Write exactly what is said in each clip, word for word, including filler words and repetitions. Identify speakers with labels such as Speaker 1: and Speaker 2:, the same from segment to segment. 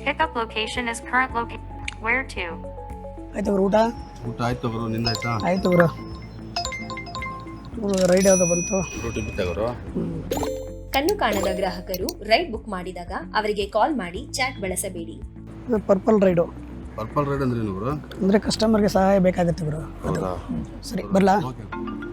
Speaker 1: Pickup location is current location. Where to?
Speaker 2: ಆಯ್ತು bro ಊಟ
Speaker 3: ಊಟ ಆಯ್ತು ಗುರು, ನಿಂದಾಯ್ತಾ?
Speaker 2: ಆಯ್ತು ಬ್ರೋ. ರೈಡ್ ಯಾವ್ದು ಬಂತು?
Speaker 3: ರೋಟಿ ಬಿತ್ತಾಗರು.
Speaker 4: ಕಣ್ಣು ಕಾಣದ ಗ್ರಾಹಕರು ರೈಡ್ ಬುಕ್ ಮಾಡಿದಾಗ ಅವರಿಗೆ ಕಾಲ್ ಮಾಡಿ ಚಾಟ್ ಬಳಸಬೇಡಿ.
Speaker 2: ಇದು ಪರ್ಪಲ್ ರೈಡು.
Speaker 3: ಪರ್ಪಲ್ ರೈಡ್ ಅಂದ್ರೆ ಏನು ಗುರು?
Speaker 2: ಅಂದರೆ ಕಸ್ಟಮರ್ಗೆ ಸಹಾಯ ಬೇಕಾಗುತ್ತೆ ಬ್ರೋ.
Speaker 3: ಹೌದಾ?
Speaker 2: ಸರಿ ಬರಲಾ?
Speaker 3: ಓಕೆ.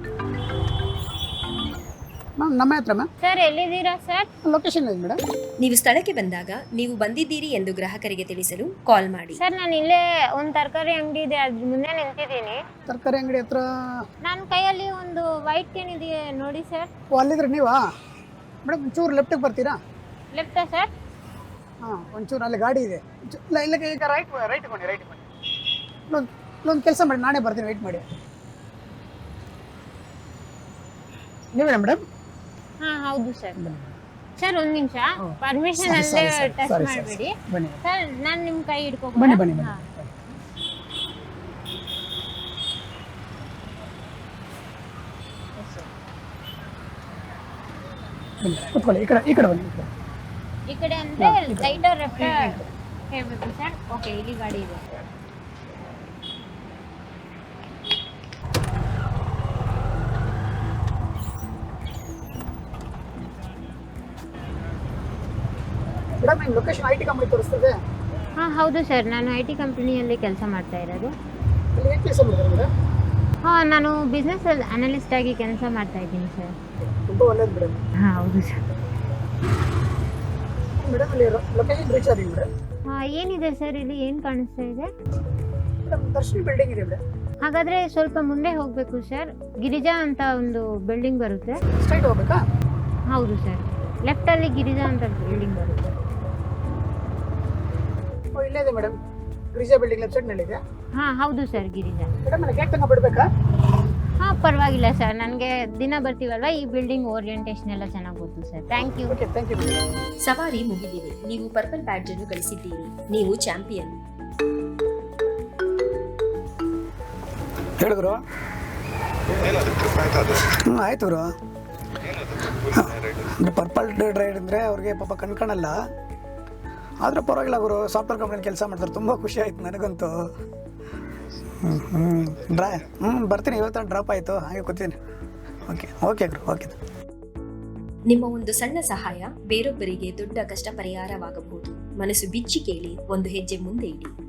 Speaker 2: ಮ್ಯಾಮ್ ನಮ್ಮ ಹತ್ರ ಮ್ಯಾಮ್.
Speaker 5: ಸರ್ ಎಲ್ಲಿದ್ದೀರಾ ಸರ್?
Speaker 2: ಲೊಕೇಶನ್ ಇದೆ ಮೇಡಮ್.
Speaker 4: ನೀವು ಸ್ಥಳಕ್ಕೆ ಬಂದಾಗ ನೀವು ಬಂದಿದ್ದೀರಿ ಎಂದು ಗ್ರಾಹಕರಿಗೆ ತಿಳಿಸಲು ಕಾಲ್ ಮಾಡಿ.
Speaker 5: ಸರ್ ನಾನು ಇಲ್ಲೇ ಒಂದು ತರಕಾರಿ ಅಂಗಡಿ ಇದೆ ಅದ್ರ ಮುಂದೆ ನಿಂತಿದ್ದೀನಿ.
Speaker 2: ತರಕಾರಿ ಅಂಗಡಿ ಹತ್ರ
Speaker 5: ನನ್ನ ಕೈಯಲ್ಲಿ ಒಂದು ವೈಟ್ ಕ್ಯಾನ್ ಇದೆಯಾ ನೋಡಿ ಸರ್.
Speaker 2: ಓ ಅಲ್ಲಿದ್ರೆ ನೀವಾ ಮೇಡಮ್? ಒಂಚೂರು ಲೆಫ್ಟಿಗೆ ಬರ್ತೀರಾ?
Speaker 5: ಲೆಫ್ಟಾ ಸರ್?
Speaker 2: ಹಾಂ ಒಂಚೂರು ಅಲ್ಲಿ ಗಾಡಿ ಇದೆ. ಇಲ್ಲ ಇಲ್ಲ ಈಗ ರೈಟ್ ರೈಟ್ ಕೊಡಿ ರೈಟ್ ಕೊಡಿ. ಇಲ್ಲೊಂದು ಇಲ್ಲೊಂದು ಕೆಲಸ ಮಾಡಿ, ನಾನೇ ಬರ್ತೀನಿ, ವೆಯ್ಟ್ ಮಾಡಿ. ನೀವೇನಾ ಮೇಡಮ್?
Speaker 5: ಹಾಂ ಹೌದು ಸರ್. ಸರ್ ಒಂದು ನಿಮಿಷ ಪರ್ಮಿಷನ್ ಅಲ್ಲೇ ಟಚ್ ಮಾಡಬೇಡಿ
Speaker 2: ಬನ್ನಿ
Speaker 5: ಸರ್. ನಾನು ನಿಮ್ಮ ಕೈ ಹಿಡ್ಕೊ
Speaker 2: ಬನ್ನಿ ಬನ್ನಿ ಬನ್ನಿ. ಬನ್ನಿ ಕೂತ್ಕೊಳ್ಳಿ. ಈ ಕಡೆ ಈ ಕಡೆ ಬನ್ನಿ. ಈ ಕಡೆ
Speaker 5: ಈ ಕಡೆ ಅಂದರೆ ರೈಟ್ ಆರ್ ಲೆಫ್ಟ್ ಹೇಳಬೇಕು ಸರ್. ಓಕೆ ಇಲ್ಲಿ ಗಾಡಿ ಇದೆ.
Speaker 2: ಮೇಡಮ್ ನಿಮ್ಮ ಲೊಕೇಶನ್ ಐ ಟಿ ಕಂಪ್ನಿ ತೋರಿಸ್ತದೆ.
Speaker 5: ಹಾಂ ಹೌದು ಸರ್, ನಾನು ಐ ಟಿ ಕಂಪ್ನಿಯಲ್ಲಿ ಕೆಲಸ ಮಾಡ್ತಾ ಇರೋದು.
Speaker 2: ಅಲ್ಲಿ ಏನು ಕೆಲಸ ಮಾಡ್ತಾರೆ ಮೇಡಮ್?
Speaker 5: ಹಾಂ ನಾನು ಬಿಸ್ನೆಸ್ ಅನಲಿಸ್ಟ್ ಆಗಿ ಕೆಲಸ ಮಾಡ್ತಾ ಇದ್ದೀನಿ ಸರ್.
Speaker 2: ತುಂಬ ಒಳ್ಳೇದು ಮೇಡಮ್.
Speaker 5: ಹಾಂ ಹೌದು ಸರ್.
Speaker 2: ಮೇಡಮ್ ಅಲ್ಲಿ ಲೊಕೇಶನ್ ರೀಚ್ ಆಗಿ ಮೇಡಮ್.
Speaker 5: ಹಾಂ ಏನಿದೆ ಸರ್ ಇಲ್ಲಿ, ಏನು ಕಾಣಿಸ್ತಾ ಇದೆ?
Speaker 2: ಮೇಡಮ್ ದರ್ಶಿನಿ ಬಿಲ್ಡಿಂಗ್ ಇದೆ ಮೇಡಮ್.
Speaker 5: ಹಾಗಾದರೆ ಸ್ವಲ್ಪ ಮುಂದೆ ಹೋಗಬೇಕು ಸರ್. ಗಿರಿಜಾ ಅಂತ ಒಂದು ಬಿಲ್ಡಿಂಗ್ ಬರುತ್ತೆ.
Speaker 2: ಸ್ಟ್ರೈಟ್ ಹೋಗ್ಬೇಕಾ?
Speaker 5: ಹೌದು ಸರ್, ಲೆಫ್ಟಲ್ಲಿ ಗಿರಿಜಾ ಅಂತ ಬಿಲ್ಡಿಂಗ್ ಬರುತ್ತೆ.
Speaker 2: ಓ ಇಲ್ಲೇ ಇದೆ ಮೇಡಮ್, ಗಿರಿಜಾ ಬಿಲ್ಡಿಂಗ್ ಲೆಫ್ಟ್ ಸೈಡ್ನಲ್ಲಿ ಇದೆ.
Speaker 5: ಹಾಂ ಹೌದು ಸರ್, ಗಿರಿಜಾ.
Speaker 2: ಮೇಡಮ್ ಅಲ್ಲಿ ಗೇಟ್ ತನಕ ಬಿಡಬೇಕಾ?
Speaker 5: ಹಾಂ ಪರವಾಗಿಲ್ಲ ಸರ್, ನನಗೆ ದಿನ ಬರ್ತೀವಲ್ವ, ಈ ಬಿಲ್ಡಿಂಗ್ ಓರಿಯೆಂಟೇಷನ್ ಎಲ್ಲ ಚೆನ್ನಾಗಿ ಗೊತ್ತು sir. Thank you.
Speaker 2: Okay thank you.
Speaker 4: ಸವಾರಿ ಮುಗಿದಿದೆ. ನೀವು ಪರ್ಪಲ್ ಬ್ಯಾಡ್ಜ್ ಅನ್ನು ಗಳಿಸಿದ್ದೀರಿ. ನೀವು ಚಾಂಪಿಯನ್.
Speaker 2: ಹೇಳಿದ್ರು ಹ್ಞೂ ಆಯ್ತು ಬ್ರೋ. ಅಂದರೆ ಪರ್ಪಲ್ ರೈಡ್ ಅಂದರೆ ಅವ್ರಿಗೆ ಪಾಪ ಕಣ್ಕಾಣಲ್ಲ, ಆದರೆ ಪರವಾಗಿಲ್ಲ ಗುರು. ಸಾಫ್ಟ್ವೇರ್ ಕಂಪ್ನಿಯಲ್ಲಿ ಕೆಲಸ ಮಾಡ್ತಾರೆ, ತುಂಬ ಖುಷಿ ಆಯ್ತು ನನಗಂತೂ. ಹ್ಞೂ ಹ್ಞೂ ಡ್ರಾ ಹ್ಞೂ ಬರ್ತೀನಿ, ಇವತ್ತು ಡ್ರಾಪ್ ಆಯಿತು, ಹಾಗೆ ಕೂತೀನಿ. ಓಕೆ ಓಕೆ ಗುರು ಓಕೆ.
Speaker 4: ನಿಮ್ಮ ಒಂದು ಸಣ್ಣ ಸಹಾಯ ಬೇರೊಬ್ಬರಿಗೆ ದೊಡ್ಡ ಕಷ್ಟ ಪರಿಹಾರವಾಗಬಹುದು. ಮನಸ್ಸು ಬಿಚ್ಚಿ ಕೇಳಿ, ಒಂದು ಹೆಜ್ಜೆ ಮುಂದೆ ಇಡಿ.